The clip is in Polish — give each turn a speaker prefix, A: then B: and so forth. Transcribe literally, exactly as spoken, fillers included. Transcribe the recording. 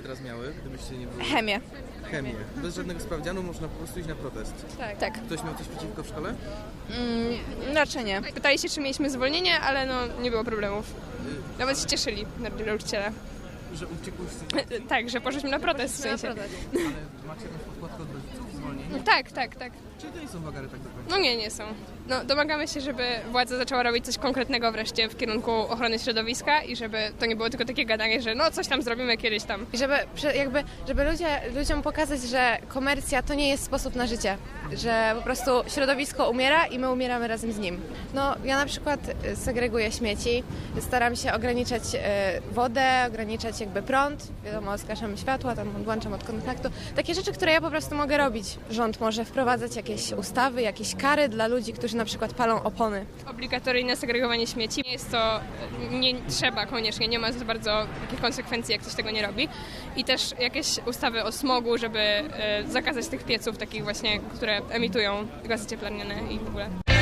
A: teraz miały, gdybyście nie były?
B: Chemię.
A: Chemię. Bez żadnego sprawdzianu można po prostu iść na protest.
B: Tak. tak.
A: Ktoś miał coś przeciwko w szkole?
B: Mm, raczej nie.
C: Pytali się, czy mieliśmy zwolnienie, ale no nie było problemów. Nawet się cieszyli nauczyciele.
A: Że uciekłyście?
C: Tak, że poszliśmy na protest w sensie.
A: Ale macie jakąś podkładkę od rodziców? Zwolnienie?
C: Tak, tak, tak.
A: Czyli to nie są wagary tak do końca?
C: No nie, nie są. No, domagamy się, żeby władza zaczęła robić coś konkretnego wreszcie w kierunku ochrony środowiska i żeby to nie było tylko takie gadanie, że no coś tam zrobimy kiedyś tam.
D: I żeby, prze- jakby, żeby ludzie, ludziom pokazać, że komercja to nie jest sposób na życie, że po prostu środowisko umiera i my umieramy razem z nim. No, ja na przykład y, segreguję śmieci, staram się ograniczać y, wodę, ograniczać jakby prąd, wiadomo, zgaszam światła, tam odłączam od kontaktu. Takie rzeczy, które ja po prostu mogę robić. Rząd może wprowadzać jakieś ustawy, jakieś kary dla ludzi, którzy na przykład palą opony.
C: Obligatoryjne segregowanie śmieci. Nie jest to, nie trzeba koniecznie, nie ma za bardzo takich konsekwencji, jak ktoś tego nie robi. I też jakieś ustawy o smogu, żeby e, zakazać tych pieców takich właśnie, które emitują gazy cieplarniane i w ogóle.